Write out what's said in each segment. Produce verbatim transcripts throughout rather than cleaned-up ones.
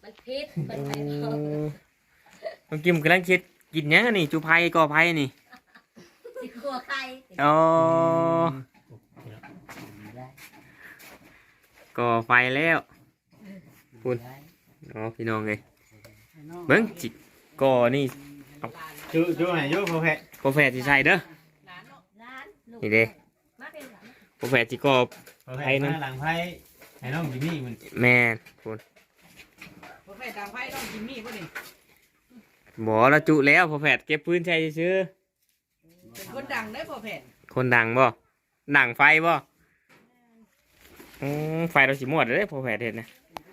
มันพิษมันไปเนาะน้องกิมกำลังคิดกินยังอันนี่จูไผ่ก่อไผ่นี่สิครัวไข่อ๋อก่อไฟแล้วพูดอ๋อพี่น้องเลยเบิ้งจิก่อนี่จูจูไหนจูโปรแฟโปรแฟตที่ใส่เด้อนี่เด้โปรแฟตที่ก่อไผ่นั่นหลังไพ่ไอ้น้องจิมมี่มันแม่พูดโปรแฟตตามไพ่ต้องจิมมี่ป่ะนี่บ่ละจุแล้วโปรแฟตเก็บพื้นใช้ซื้อเป็นคนดังได้โปรแฟตคนดังบ่ดังไฟบ่อืมไฟเราสิหมดเลยโปรแฟตเห็นนะ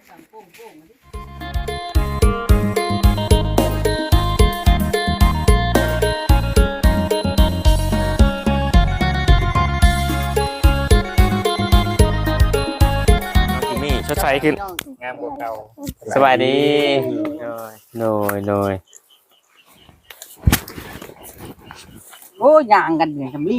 ชดใช้ขึ้นงามกว่าเก่าสบายดีโดยโดยโอ้ยางกันอย่างทำลี่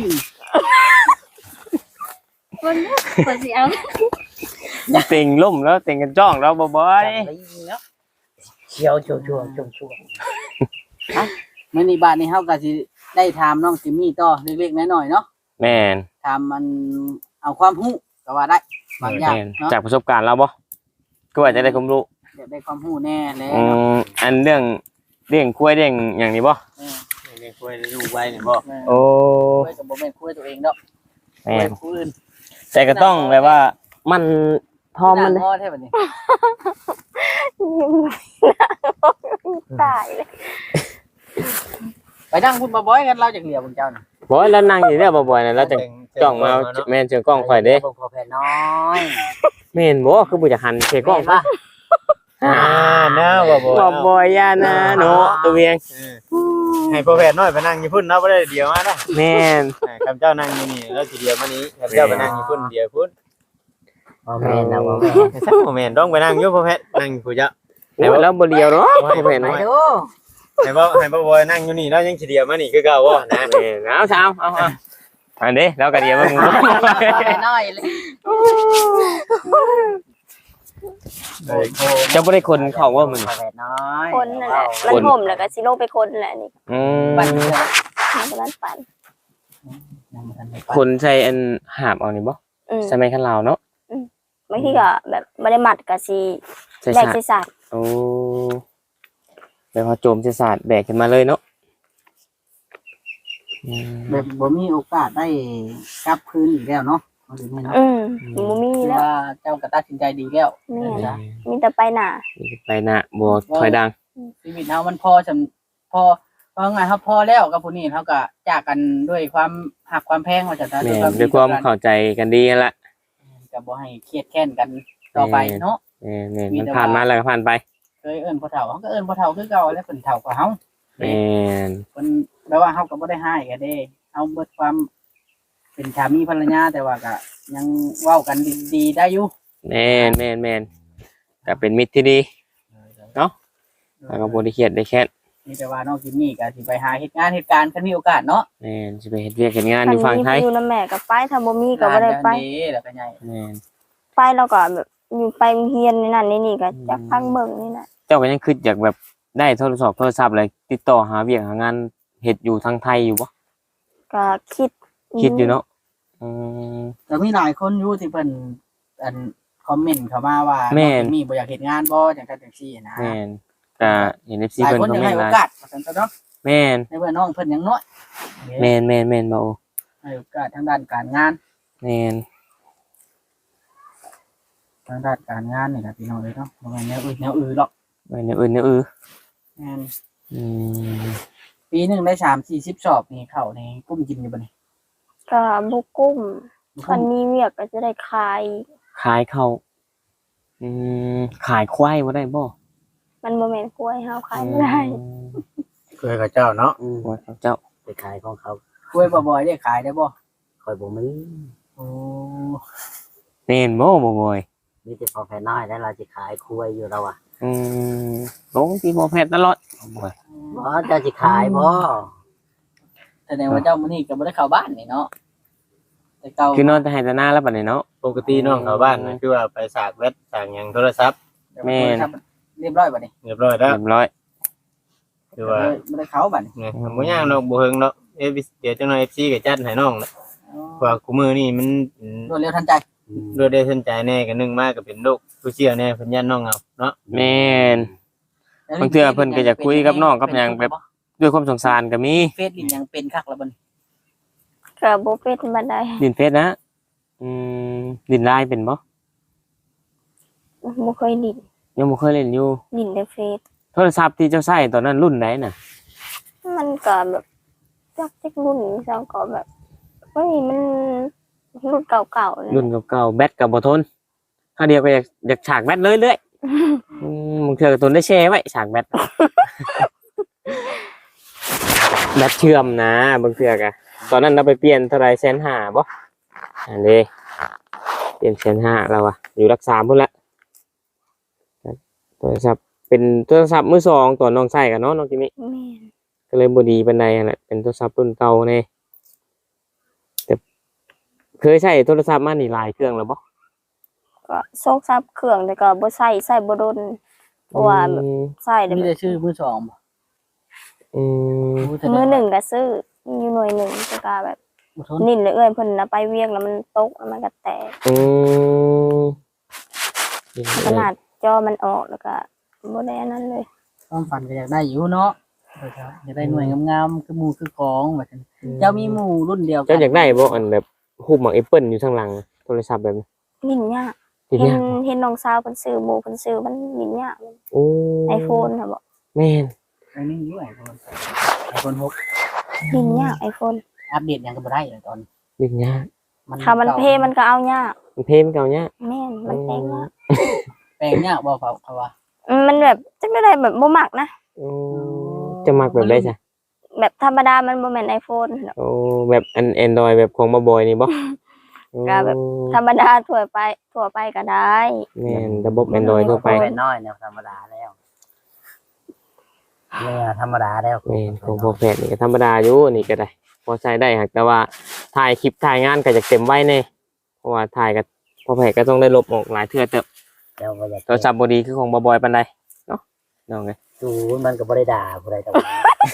คนคนสิเอาเต็งล่มแล้วเต็งกันจ้องแล้วบ่อยเชียวชัวชัวชัวชัวฮะเมื่อในบ้านนี้เฮาก็สิได้ถามน้องจิมมี่ต่อเล็กๆน้อยๆเนาะแม่นถามมันเอาความรู้ก็ว่าได้บางอย่างเนาะจากประสบการณ์เราบ่ก็อาจจะได้ความรู้ได้ความรู้แน่แล้วอืมอันเรื่องเรื่องคุยเรื่องอย่างนี้บ่เรื่องคุยได้ดูไว้นี่บ่โอ้คุยกับบ่แม่นคุยตัวเองดอกแม่นคุยอื่นแต่ก็ต้องแบบว่ามันพอมันงอแท้บัดนี้ตายเลยไปนั่งพูดบ่อยกันเราจากเหลียวพวกเจ้าน่ะบ่แล้วนั่งอยู่เนี่ยบ่อยๆน่ะแล้วจังจ้องมาแม่นเชิงกล้องข่อยเด้บ่พอแผ่น้อยแม่นบ่คือบ่จะหันเชิงกล้องป่ะอ่าน้าบ่บ่บ่บ่ยานะเนาะตัวเวียงให้โปรแฟตน้อยไปนั่งอยู่พุ่นเนาะบ่ได้เดียวมานะแม่นคำเจ้านั่งอยู่นี่แล้วทีเดียวมานี้คำเจ้าไปนั่งอยู่พุ่นเดียวพุ่นบ่แม่นนะบ่แม่นสักโมเมนต์ต้องไปนั่งอยู่โปรแฟตนั่งผู้เจ้าแล้วบ่เดียวเนาะโปรแฟตน้อยให้บ่ให้บ่บ่นั่งอยู่นี่แล้วยังทีเดียวมานี่คือเก่าบ่นะแม่นเอาซะเอาเอาอันนี้แล้วก็เดียวมามึงน้อยเลยจะบ่ได้คนเข้าว่ามึงคนนั่นแหละมันห่มแล้วก็สิลงไปคนแหละนี่อืมปั่นมันปั่นคนใส่อันหาบเอานี่บ่ใช่มั้ยคันลาวเนาะอืมบางทีก็แบบบ่ได้มัดก็สิแบกใส่สาดโอ้แล้วพอโจมใส่สาดแบกขึ้นมาเลยเนาะแบบบ่มีโอกาสได้กลับคืนอีกแล้วเนาะอืมบ่มีแล้วเจ้าก็ตัดสินใจดีแล้วมีแต่ไปหน้าไปหน้าบ่ถอยดังชีวิตเฮามันพอสำพอพอไงเฮาพอแล้วกับผู้นี้เฮาก็จากกันด้วยความหักความแพงว่าจังซั่นด้วยความเข้าใจกันดีนั่นแหละก็บ่ให้เครียดแค้นกันต่อไปเนาะแม่นๆมันผ่านมาแล้วก็ผ่านไปเคยเอิ้นพ่อเฒ่าเฮาก็เอิ้นพ่อเฒ่าคือเก่าแล้วเพิ่นเฒ่ากว่าเฮาแม่นเพิ่นแปลว่าเฮาก็บ่ได้ให้กันเด้เฮาเบิดความเป็นสามีภรรยาแต่ว่าก็ยังเว้ากันดีๆได้อยู่แม่นแม่นแม่นก็เป็นมิตรที่ดีเนาะแล้วก็บ่ได้เครียดได้แค้นนี่แต่ว่าน้องจิมมี่ก็สิไปหาเฮ็ดงานเฮ็ดการคันมีโอกาสเนาะแม่นสิไปเฮ็ดเวียกเฮ็ดงานอยู่ฝั่งไทยอยู่นำแม่ก็ไปถ้าบ่มีก็บ่ได้ไปแล้วก็ใหญ่แม่นไปแล้วก็แบบอยู่ไปเรียนนี่นั่นนี่ก็จักฟังเบิ่งนี่น่ะเจ้าก็ยังคิดอยากแบบได้โทรศัพท์โทรศัพท์อะไรติดต่อหาเวียกหางานเฮ็ดอยู่ทางไทยอยู่บ่ก็คิดคิดอยู่เนาะอืมแต่มีหลายคนอยู่ที่เพิ่นอันคอมเมนต์เข้ามาว่ามีบ่อยากเฮ็ดงานบ่จังซั่นจังซี่นะแม่นก็เห็น เอฟ ซี เพิ่นคอมเมนต์หลายโอกาสว่าซั่นเนาะแม่นในเมื่อน้องเพิ่นยังน้อยแม่นๆๆบ่ให้โอกาสทางด้านการงานแม่นทางด้านการงานนี่ล่ะพี่น้องเอ้ยเนาะบ่แม่นแนวอื่นแนวอื่นหรอกบ่แนวอื่นแนวอื่นแม่นอืมปีนึงได้สามสี่สิบสอบนี่เข้าในกุ้มกินอยู่บ่นี่ก็บ่กุ้มคันมีเวียกก็จะได้ขายขายเข้าอืมขายควายบ่ได้บ่มันบ่แม่นกล้วยเฮาขายบ่ได้กล้วยกับเจ้าเนาะอืมกล้วยกับเจ้าไปขายของเขากล้วยบ่อยๆได้ขายได้บ่ค่อยบ่มีโอ้แม่นบ่บ่บ่อยมีแต่พอแผ่น้อยแล้วเราสิขายกล้วยอยู่แล้วอ่ะอืมลงที่บ่แพทย์ตลอดบ่บ่เจ้าสิขายบ่แสดงว่าเจ้ามื้อนี้ก็บ่ได้เข้าบ้านนี่เนาะแต่เก่าคือนอนแต่ให้แต่หน้าแล้วบัดนี้เนาะปกติน้องเข้าบ้านนั่นคือว่าไปสากเว็บสากหยังโทรศัพท์แม่นเรียบร้อยบัดนี้เรียบร้อยแล้วเรียบร้อยคือว่าบ่ได้เข้าบัดนี้เนี่ยบ่ย่างดอกบ่เฮิงเนาะเอฟเดี๋ยวจังหน่อย เอฟ ซี ก็จัดให้น้องแล้วเพราะว่ากูมือนี่มันรวดเร็วทันใจรวดได้สนใจแน่ก็นึงมากก็เป็นโรคผู้เชี่ยวแน่เพิ่นยันน้องเอาเนาะแม่น บางเทื่อเพิ่นก็อยากคุยกับน้องกับหยังแบบ ด้วยความสงสารก็มีเฟซลิ้นยังเป็นคักแล้วบัดนี้ก็บ่เป็นบันไดดินเฟซนะอืมดินไลน์เป็นบ่บ่เคยลิ้นยังบ่เคยเล่นอยู่ลิ้นในเฟซโทรศัพท์ที่เจ้าใช้ตอนนั้นรุ่นไหนน่ะมันก็แบบจักจักรุ่นจังก็แบบเฮ้ยมันรุ่นเก่าๆเลยรุ่นเก่าๆแบตก็บ่ทนถ้าเดียวก็อยากอยากฉากแบตเลยเรื่อยอืมบางเทื่อก็ทนได้แช่ไว้ฉากแบต แบตเชื่อมนะบางเทื่อก็ตอนนั้นเราไปเปลี่ยนเท่าไหร่แสนห้าบ่อันนี้เปลี่ยนแสนห้าแล้วอ่ะอยู่รักษาพุ่นละโทรศัพท์เป็นโทรศัพท์มือสองตัวน้องใช้กันเนาะน้องจิมิแม่นก็เลยบดีปานใดนั่นแหละเป็นโทรศัพท์รุ่นเก่าแน่แต่เคยใช้โทรศัพท์มานี่หลายเครื่องแล้วบ่ก็โซกซับเครื่องแต่ก็บ่ใช้ใช้บ่โดนเพราะว่าแบบอืมใช้ได้มีแบแต่บชื่อมือสองบ่อืมมือหนึ่งก็ซื้ออยู่หน่วยหนึ่งแต่ก็แบบบ่ทนนิ่นเลยเอ้ยเพิ่นน่ะไปเวียงแล้วมันตกแล้วมันก็แตกอืมขนาดจอมันออกแล้วก็บ่ได้อันนั้นเลยความฝันก็อยากได้อยู่เนาะอยากได้หน่วยงามๆคือหมู่คือของว่าซั่นเจ้ามีหมู่รุ่นเดียวกัเจ้าอยากได้บ่อันแบบรูปหมากแอปเปิลอยู่ข้างหลังโทรศัพท์แบบนี้ลิ้นยากทีเห็นเนี้ยเห็นน้องสาวเพิ่นซื้อหมู่เพิ่นซื้อมันลิ้นยากโอ้ iPhone ค่ะบ่แม่นอันนี้อยู่ไอโฟนไอโฟนหกลิ้นยาก iPhone อัปเดตหยังก็บ่ได้เลยตอนดินยากถ้ามันเพมันก็เอายากมันเพมเก่าเนี้ยแม่นมันแพงยากแปลงยากบ่เขาเขาว่าอืมมันแบบจักได้แบบบ่มักนะโอ้จะมักแบบได้จ้ะแบบธรรมดามันบ่แม่น iPhone เนาะโอ้แบบอัน Android แบบของบ่บอยนี่บ่ก็แบบ ธรรมดาทั่วไปทั่วไปก็ได้แม่นระบบ Android ทั่วไปแปลงน้อยแนวธรรมดาแล้วเนี่ยธรรมดาแล้วแม่นของพอแพทย์นี่ก็ธรรมดาอยู่นี่ก็ได้ พอใช้ได้หากแต่ว่าถ่ายคลิปถ่ายงานก็จะเต็มไว้แน่เพราะว่าถ่ายก็พอแพทย์ก็ต้องได้ลบออกหลายเทื่อเติบเจ้าก็อยากโทรศัพท์บ่ดีคือของบ่บอยปานใดเนาะน้องเอ้ยดูมันก็บ่ได้ด่าผู้ใดแต่ว่า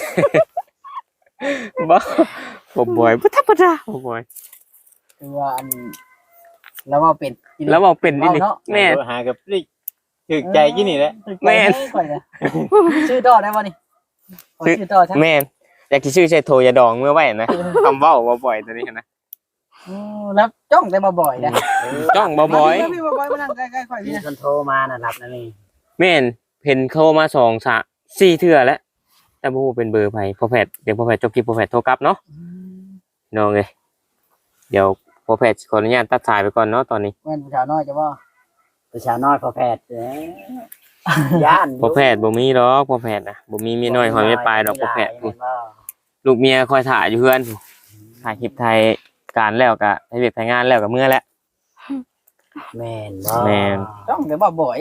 บ่บ่บอยบ่ธรรมดาบ่บอยคือว่าอันแล้วว่าเป็นแล้วบอกเป็นนี่นี่แม่โทรหากับปลิกถึกใจกินนี่แหละแม่นชื่อต่อได้บ่นี่ขอชื่อต่อใช่แม่นอยากสิชื่อใช่โทยาดองเมื่อไว้นะคำเว้าบ่บ่อยตัวนี้นะแล้วจ้องแต่มาบ่อยนะจ้องบ่บ่อยพี่บ่อยมานั่งใกล้ๆข่อยพี่คนโทรมาน่ะรับนะนี่แม่นเห็นโทรมาสองสามสี่เทื่อแล้วแต่บ่ฮู้เป็นเบอร์ไผพอแพทย์เดี๋ยวพอแพทย์จบคลิปพอแพทย์โทรกลับเนาะน้องเอ้ยเดี๋ยวพอแพทย์ขออนุญาตตัดสายไปก่อนเนาะตอนนี้แม่นผู้ชาวน้อยจะว่าผู้ชาวน้อยพอแพทย์เด้ย่านพอแพทย์บ่มีดอกพอแพทย์น่ะบ่มีเมียน้อยหอยไม่ปลายดอกพอแพทย์ลูกเมียคอยถ่ายอยู่เฮือนถ่ายคลิปไทยการแล้วก็ให้เวียกถ่ายงานแล้วก็เมื่อแล้วแม่นบ่แม่นจ้องแต่บ่บ่อย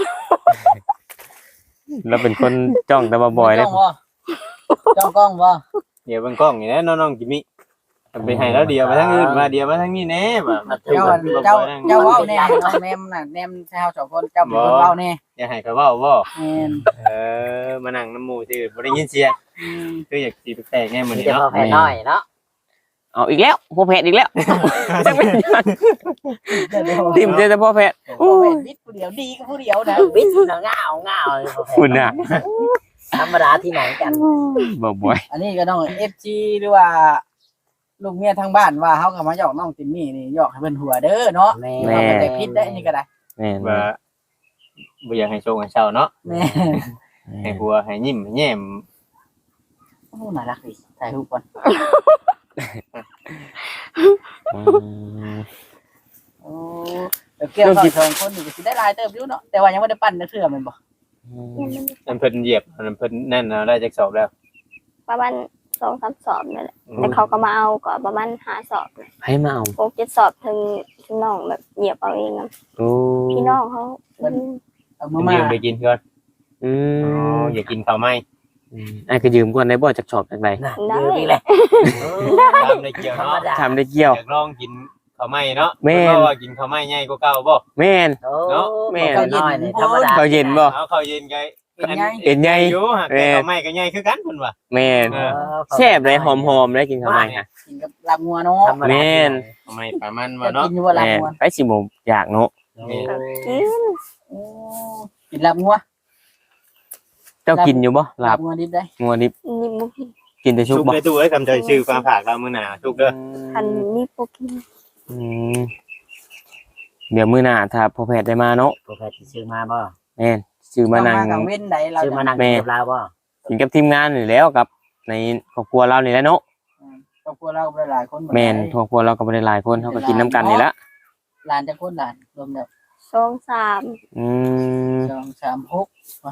แล้วเป็นคนจ้องแต่บ่บ่อยเลยจ้องกล้องบ่เดี๋ยวเบิ่งกล้องนี่แหละน้องๆจิมิไปให้แล้วเดียวไปทางอื่นมาเดียวมาทางนี้แน่บ่เจ้าเจ้าเจ้าเว้าแน่น้องแนมน่ะแนมชาวสองคนเจ้าเป็นคนเว้าแน่อย่าให้เขาเว้าบ่แม่นเออมานั่งน้ำหมู่ซื่อบ่ได้ยินเสียงคืออยากสิไปแปลกแน่มื้อนี้จะเนาะพอแพทย์น้อยเนาะเอาอีกแล้วพอแพทย์อีกแล้วจังเป็นยังติ่มเจอแต่พอแพทย์พอแพทย์วิทย์ผู้เดียวดีก็ผู้เดียวนะวิทย์น่ะง่าวง่าวคุณน่ะธรรมดาที่ไหนกันบ่บ่อยอันนี้ก็ต้อง เอฟ จี หรือว่าลูกเมียทางบ้านว่าเฮาก็มาหยอกน้องติมมี่นี่หยอกให้เพิ่นหัวเด้อเนาะแม่ก็ได้ผิดได้นี่ก็ได้แม่นว่าบ่อยากให้โชว์ให้เศร้าเนาะแม่ให้หัวให้ยิ้มให้แย้มโอ้น่ารักดิถ่ายรูปก่อนอืมโอ้เดี๋ยวเกี่ยวกับสองคนนี่ก็สิได้หลายเติบอยู่เนาะแต่ว่ายังบ่ได้ปั้นจักเทื่อแม่นบ่อันเพิ่นเหยียบอันเพิ่นนั่นเอาได้จักสอบแล้วประมาณสองสามสอบนี่แหละแต่เขาก็มาเอาก็ประมาณห้าสอบให้มาเอาหกเจ็ดสอบถึงถึงน้องแบบเหยียบเอาเองนะโอ้พี่น้องเขาเอามัมาน มายืมไปกินก่อนอือ๋อมอย่ากินข้าวไหมไอ้ก็ยืมก่อนได้บ่จากชอบจากใดได้นี่แหละทำได้เกี่ยวเนาะทำได้เกี่ยวอยากลองกินข้าวไหม้เนาะแม่นเพราะว่ากินข้าวไหม้ใหญ่กว่าเก่าบ่แม่นโอ้เนาะแม่ข้าวน้อยนี่ธรรมดาข้าวเย็นบ่เอาข้าวเย็นไงเป็นไงเอ็นใหญ่อยู่ฮะแม่แต่ข้าวไหม้ก็ใหญ่คือกันเพิ่นว่าแม่นเออแซ่บเลยหอมๆได้กินข้าวไหม้ค่ะกินกับลาบงัวเนาะแม่นข้าวไหม้ประมาณจะว่าเนาะกินอยู่ว่าลาบแม่นงัวไปสิบ่อยากเนาะแม่นกินโอ้กินลาบงัวเจ้ากินอยู่บ่ลาบงัวดิบได้งัวดิบนี่บ่กินกินแต่ชุบชุกบ่ไปตู้เอ้ยคำใจชื่อฟ้าผากเรามื้อหน้าชุกเด้อคันนี่บ่กินอืมเดี๋ยวมื้อหน้าถ้าพ่อแพทย์ได้มาเนาะตัวแพทย์สิซื้อมาบ่แม่นซื้อมานั่งต้องกับเว้นใดเราซื้อมานั่งแม่กับเราบ่กินกับทีมงานนี่แหล้วกับในครอบครัวเรานี่แหละเนาะครอบครัวเราหลายๆคนแม่นครอบครัวเราก็บ่ได้หลายคนเฮาก็กินน้ำกันนี่ละหลานจะคนหลานรวมแล้วสองสามอืมสองสามหกวะ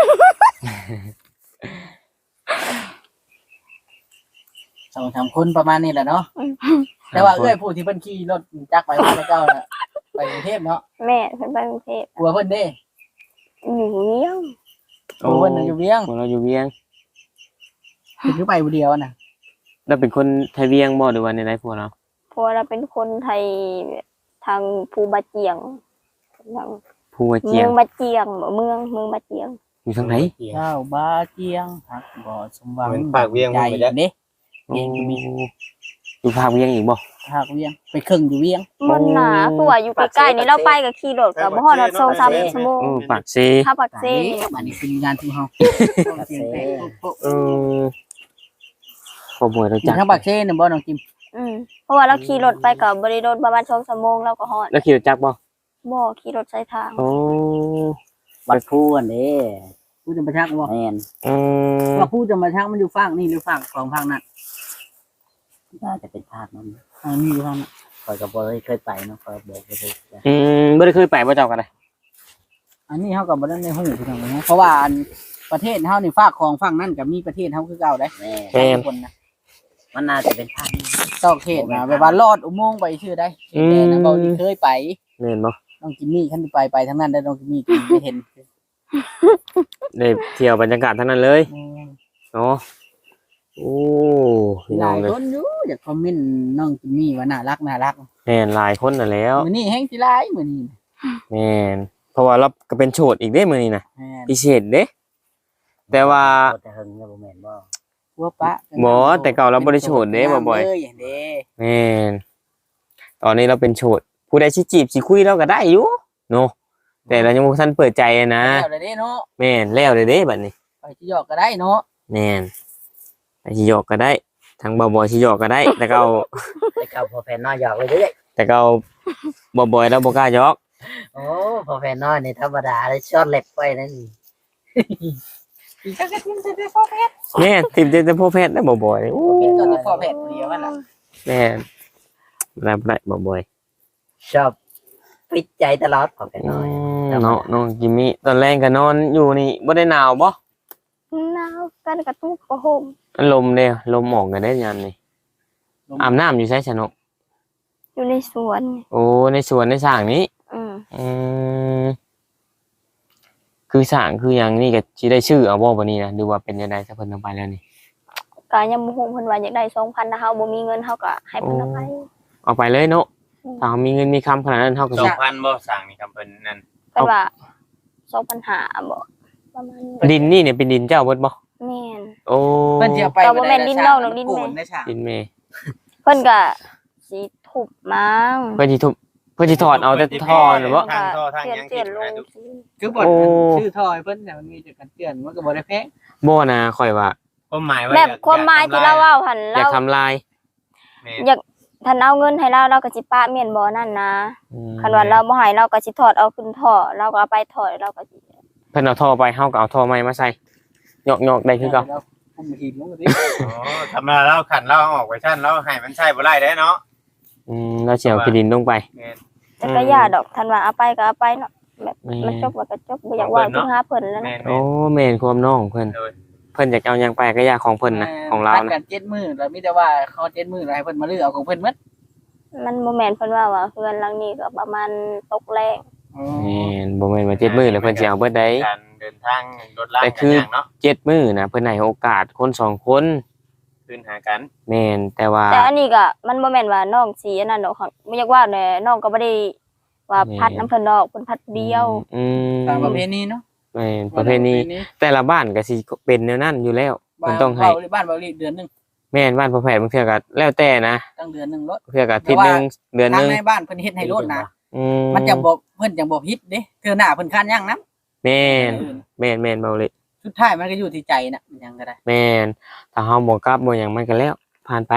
สองสามคนประมาณนี้แหละเนาะแต่ว่าเอ้ยผู้ที่เพิ่นขี่รถจักรไปพระเจ้าน่ะไปกรุงเทพเนาะแม่เพิ่นไปกรุงเทพกลัวเพิ่นเด้อยู่เวียงกลัวเพิ่นน่ะอยู่เวียงโอ้เราอยู่เวียงเพิ่นอยู่ไปผู้เดียวน่ะเราเป็นคนไทยเวียงบ่หรือว่าในไรพวกเราเพราะว่าเราเป็นคนไทยทางภูบาเจียงทางภูวเจีเมืยอง งบาเจียงบ่เมืองเมืองบาเจียงอยู่ทางไหนเจ้าบาเจียงหักบ่สมหวังเหมือนปากเวียงใจเพิ่นไปจักเด้โอ้อยู่ภาคเวียงอีกบ่หักเวียงไปครึ่งอยู่เวียงมันหนาคือว่าอยู่ใกล้ๆนี่เราไปก็ขี่รถก็บ่ฮอดสองสามชั่วโมงโอ้ปากเซถ้าปักเซนอันนี้คืองานที่เฮาเซ่เออขโมยเราอยู่จักทางปากเซ่น่ะบ่น้องจิมอืมเพราะว่าเราขี่รถไปก็บ่ได้โดนประมาณสองชั่วโมงเราก็ฮอดแล้วขี่รถจักรบ่บ่ขี่รถใช้ทางโอ้วัดผู้อันนี้ผู้จะมาชักบ่แม่นอืมว่าผู้จะมาชักมันอยู่ฝั่งนี่หรือฝั่งของฝั่งนั้นน่าจะเป็นภาคนั้นอ่านี่อยู่ฝั่งนั้นคอยกับบ่ได้เคยไปเนาะคอยบอกบ่ได้อืมบ่ได้เคยไปบ่เจ้ากันเลยอันนี้เฮาก็บ่ได้ในหูพี่น้องนะเพราะว่าอันประเทศเฮานี่ฝากของฝั่งนั้นก็มีประเทศเฮาคือเก่าได้แม่แม่นคนนะมันน่าจะเป็นภาคนี้ตอกเขตนะแบบว่าลอดอุโมงค์ไปชื่อได้แต่นะบ่เคยไปแม่นบ่น้องจิมมี่คันไปไปทั้งนั้นได้น้องจิมมี่ก็ไม่เห็นได้เที่ยวบรรยากาศทั้งนั้นเลยเนาะโอ้พี่หน้อลาง ยเลยคนอยู่อยากคอมเมนต์น้องจิมมี่ว่าน่ารักน่ารักแม่นหลายคนน่ะแล้วมื้อนี้แฮงสิหลายมื้อนี้แม่นเพราะว่าเราก็เป็นโฉดอีกเด้มื้อนี้น่ะแม่นพิเศษเด้แต่ว่าบ่แต่เฮิงเนี่ยบ่แม่นบ่พวกปะบ่แต่เก่าเราบ่ได้โฉดเด้บ่บ่อยเลยเด้แม่นตอนนี้เราเป็นโฉดผู้ใดสิจีบสิคุยเราก็ได้อยู่เนาะแต่เรายังบ่ทันเปิดใจอะนะแล้วเลยเด้เนาะแม่นแล้วเลยเด้บัดนี้ไปสิหยอกก็ได้เนาะแม่นไปสิหยอกก็ได้ทั้งบ่บ่อยสิหยอกก็ได้ แต่ก็เอาไปเข้าพอแฟนน้อยหยอกเลยเด้อแต่ก็เอาบ่บ่อยแล้วบ่กล้าหยอกโอ้พอแฟนน้อยนี่ธรรมดาเลยช็อตเล็บไปนั่นอีกก็ทิมใส่ไปพ่อแพทย์แม่นติมแต่พ่อแพทย์ได้บ่บ่อยโอ้เป็นตัวพ่อแพทย์ผู้เดียวนั่นล่ะแม่นรับได้บ่บ่อยชอบปิดใจตลอดพอแฟนอืน้อยมเนาะน้องจิมมี่ตอนแรกก็นอนอยู่นี่บ่ได้หนาวบ่หนาวกันกระตุกกระห่มลมเด้ลมออกกันได้ยามนี่อาบน้ำอยู่ไสชะนกอยู่ในสวนโอ้ในสวนในสร้างนี้อืมอืมคือสร้างคืออย่างนี้ก็สิได้ชื่อเอาบ่บัดนี้นะหรือว่าเป็นจังได๋ซะเพิ่นเอาไปแล้วนี่ก็ยังบ่ฮู้เพิ่นว่าอยากได้สองพันถ้าเฮาบ่มีเงินเฮาก็ให้เพิ่นเอาไปเอาไปเลยเนาะอืมถ้าเรามีเงินมีคำขนาดนั้นเฮาก็สอสิงพันบ่สั่งนี่ครับเพิ่นนั่นเพิ่นว่าสองพันห้าบ่ประมาณนี้ดินนี่เนี่ยเป็นดินเจ้าเบิดบ่แม่นโอ้เพิ่นสิเอาไปก็บ่แม่นดินนอกหรอกดินแม่โกได้ฉากดินแม่เพิ่นก็สิทุบมั้งเพิ่นสิทุบเพิ่นสิถอดเอาแต่ท่อหรือบ่ทางท่อทางเตือนยังเตืคิอดนลนะงทุกสิคือบ่โอ้ชื่อทอยเพิ่นน่ะมันมีแต่กันเตือนมันก็บ่ได้แพงบ่นะข่อยว่าความหมายว่าแบบความหมายที่เราเว้าหั่นอยากเราทำลายอยากท่านเอาเงินให้เราเราก็สิปะแม่นบ่นั่นนะอืมคันว่าเราบ่ให้เราก็สิถอดเอาขึ้นท่อเราก็เอาไปถอดเราก็สิเพิ่นเอาท่อไปเฮาก็เอาท่อใหม่มาใส่ยอกๆได้คือเก่าแล้วผมหินลงมาดิอ๋อธรรมดาเราขันเราเอาออกไว้ชั่นเราให้มันใช่บ่ได้ได้เนาะอืมแล้วสิเอาขี้ดินลงไปแม่นแต่ก็ย่าดอกท่านว่าเอาไปก็เอาไปเนาะแบบแม่มันจบว่าก็จบบ่อยากว่าถึงหาเพิ่นแล้วแม่นะนโอ้แม่นความน้องเพิ่นโดยเพิ่นอยากเอาหยังไปก็อยากของเพิ่นนะของเราพัดนะกันเจ็ดมื้อแล้วมีแต่ว่าเขาเจ็ดมื้อแล้วให้เพิ่นมาเลือกเอาของเพิ่นหมดมันบ่แม่นเพิ่นว่าว่าเฮือนหลังนี้ก็ประมาณตกแรงแม่นบ่แม่นว่าเจ็ดมื้อแล้วเพิ่นสิเอาเบิดได้การเดินทางรถลากแต่คือกันย่างเนาะเจ็ดมื้อนะเพิ่นให้โอกาสคนสองคนคืนหากันแม่นแต่ว่าแต่อันนี้ก็มันบ่แม่นว่าน้องสีอันนั้นดอกค่ะบ่อยากว่าแหน่น้องก็บ่ได้ว่าพัดน้ำเพิ่นดอกเพิ่นพัดเดียวอืมตามประเพณีเนาะแม่นประเพณีแต่ละบ้านก็สิเป็นแนวนั้นอยู่แล้วเพิ่นต้องให้บ้านบ้านเบาลีเดือนหนึงแม่นบ้านพ่อแพทย์บางเทื่อก็แล้วแต่นะตั้งเดือนหนึงรถเทื่อก็อาทิตย์หนึงเดือนหทางนึงในบ้านเพิ่นเฮ็ดให้รถนะอืมันจะบ่เพิ่นจังบ่ผิดเด้เทื่อหน้าเพิ่นคันยังนะแม่นแม่นแม่นเบาเลยสุดท้ายมันก็อยู่ที่ใจน่ะมันยังก็ได้แม่นถ้าเฮาบ่กลับบ่หยังมันก็แล้วผ่านไป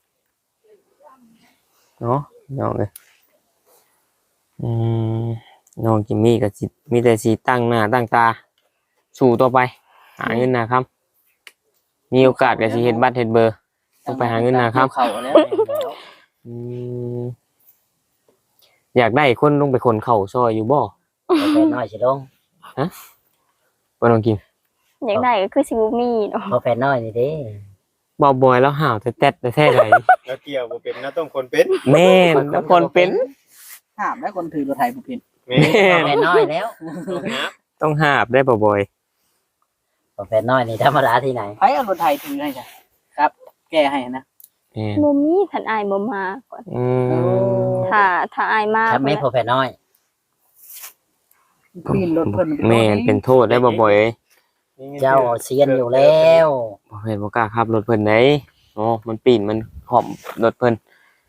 เนาะน้องเอ้ยอืมน้องจิมมี่ก็สิมีแต่สิตั้งหน้าตั้งตาสู้ต่อไปหาเงินนะครับมีโอกาสก็สิเฮ็ดบัตรเฮ็ดเบอร์ ต้องไปหาเงินนะครับเข้าแล้วอืมอยากได้คนลงไปคนเข้าซอยอยู่บ่พอแฟนน้อยสิลงบ่ต้องกินอยากได้ก็คือสิบ่มีเนาะพอแฟนน้อยนี่เด้บ่บอยแล้วห่าวแต่แต๊ดแต่แท้ใดแล้วเกี่ยวบ่เป็นนะต้องคนเป็นแม่นแล้วคนเป็นห้ามแล้วคนถือรถไถบ่เป็นแม่พอแฟนน้อยแล้วต้องนับต้องหาบได้บ่บอยพอแฟนน้อยนี่ธรรมดาที่ไหนไผเอารถไถถือให้จ้ะครับ แก้ให้นะแม่นบ่มีท่านอายบ่มาก่อนอืมถ้าถ้าอายมาครับไม่พอแฟนน้อยปีนรถเพิ่นแม่นเป็นโทษได้บ่บอยเอ้ยเจ้าเซียนอยู่แล้วบ่เห็นบ่กล้าขับรถเพิ่นได้โอ้มันปีนมันหอมรถเพิ่น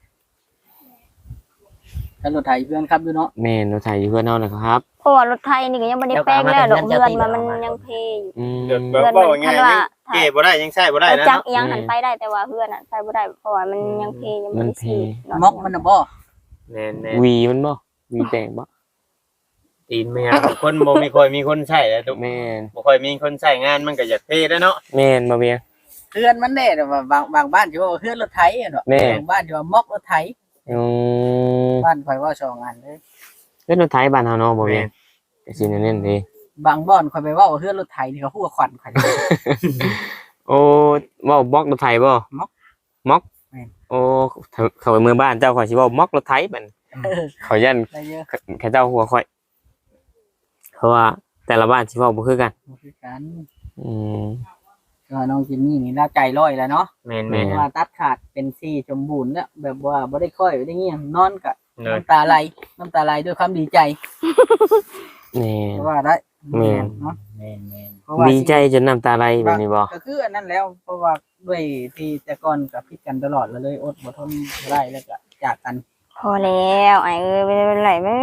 ถ้ารถไถเพื่อนครับอยู่เนาะแม่นรถไถอยู่เพื่อนเฮานะครับเพราะว่ารถไทยนี่ก็ยังบ่ได้แปลงแล้วดอกเดือนมามันยังเพอยู่อืมเดี๋ยวแบบว่าง่ายยังเก็บบ่ได้ยังใช้บ่ได้เอานะจักเนาะอีหยังหันไปได้แต่ว่าเพื่อนน่ะใช้บ่ได้เพราะว่ามันยังเพยังบ่ได้สีดม็อกมันน่ะบ่แม่นแม่วีมันบ่วีแต่งบ่ตีนแม่คนบ่มีค่อยมีคนใช้แล้วทุกแม่นบ่ค่อยมีคนใช้งานมันก็อยากเท่แล้วเนาะแม่นบ่เวียงเพื่อนมันแน่แต่ว่าบางบางบ้านสิว่าเพื่อนรถไถอะเนาะแม่บางบ้านสิว่าม็อกรถไถอืมบ้านข่อยว่าสองอันเลยเล่นรถไถบ้านเฮาเนาะบ่เวียงก็สิแน่นๆเด้บางบ่อนข่อยไปเว้าเพื่อนรถไถนี่ก็ฮู้ว่าขวัญข่อยโอ้เว้าบล็อกรถไถบ่ม็อกม็อกแม่นโอ้เขาเขาไปเมืองบ้านเจ้าข่อยสิเว้าม็อกรถไถบัดเออเขายันได้เยอะเขาเจ้าหัวข่อยเพราะว่าแต่ละบ้านสิเว้าบ่คือกันบ่คือกันอืมก็น้องจิมมี่นี่น่าใจร้อยแล้วเนาะแม่นแม่แม่นว่าตัดขาดเป็นซี่สมบูรณ์แล้วแบบว่าบ่ได้ค่อยได้เงี้ยนอนก็เลยน้ำตาไหลน้ำตาไหลด้วยความดีใจแม่เพราะว่าได้แม่นเนาะแม่นแม่นเพราะว่าดีใจจนน้ำตาไหลแบบนี้บ่ก็คืออันนั้นแล้วเพราะว่าด้วยที่แต่ก่อนกับพิดกันตลอดแล้วเลยอดบ่ทนบ่ได้แล้วก็จากกันพอแล้วไอ้เอ้ยไม่เป็นไรแม่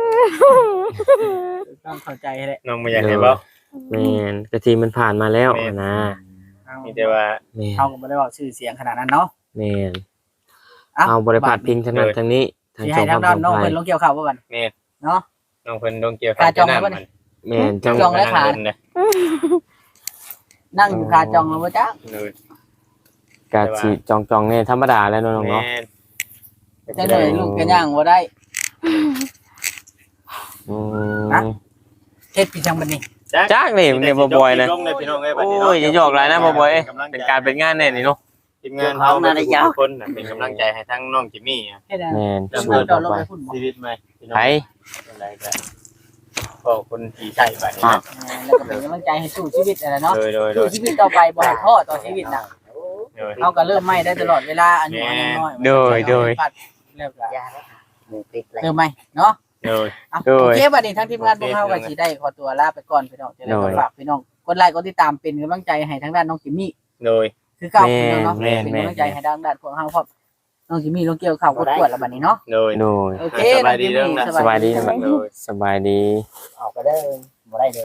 ต้องเข้าใจแหละน้องบ่อยากให้เว้าแม่นกะทีมันผ่านมาแล้วแม่นนะเอามีแต่ว่าแม่นเขาก็บ่ได้เว้าชื่อเสียงขนาดนั้นเนาะแม่นอ่ะเอาบ่ได้พาดพิงทางนั้นทางนี้ทางสิจให้งคทางวามด้านปน้ลองอดภัเพิ่ยนลงเกี่ยวข้าวบ่กันแม่นเนาะน้องเพิ่นต้องเกี่ยวขาจองไว้น้ำบ่มันแม่นจังจองแล้วขานั่งเบิ่งเลยนั่งอยู่คาจองแล้วบ่จ๊ะเลยกะสิจองจองๆเนี่ยธรรมดาแล้วเนาะน้องแม่เนาะนจังได๋ลูกก็ย่างบ่ได้อืฮะมเฮ็ดพี่จังบัดนี้จ้างนี่เนี่ยบ่บ่อยนะลงเลยพี่น้องเอ้ยบัดโอ้นี้เนาะยอย่าหยอกหลายนะบ่บ่อยเอ้ยเป็นการเป็นงานแน่นี่เนาะทีมงานเฮาทุกคนน่ะเป็นกำลังใจให้ทั้งน้องจิมมี่อะเฮ็ดอันแม่นเดี๋ยวสู้เราต่อลงไปไปพุ่นบ่ชีวิตใหม่พี่น้องไผอะไรก็ขอบคุณที่ใช้ไปนะแล้วก็เป็นกำลังใจให้สู้ชีวิตนั่นแหละเนาะโดยโดยโดสู้ยชีวิตต่อไปบ่ให้ท้อต่อชีวิตน่ะโดยเฮาก็เริ่มใหม่ได้ตลอดเวลาอายุยังน้อยโดยโดยแล้วก็ยาแล้วหนึ่งปิดเลยเริ่มใหม่เนาะโดยอ่ะโดยโอเคบัดนี้ทั้งทีมงานพวกเฮาก็สิได้ขอตัวลาไปก่อนพี่น้องจะได้โดยฝากพี่น้องกดไลค์กดติดตามเป็นกำลังใจให้ทางด้านน้องจิมมี่โดยคือเก่าพี่น้องเนาะแม่นเป็นแม่นกำลังใจให้ทางด้านพวกเฮาเพราะน้องจิมมี่ลงเกี่ยวข้าวกดกวดแล้วบัดนี้เนาะโดยโดยโอเคสบายดีเด้อนะสบายดีสบายดีโดยสบายดีออกก็ได้บ่ได้เลย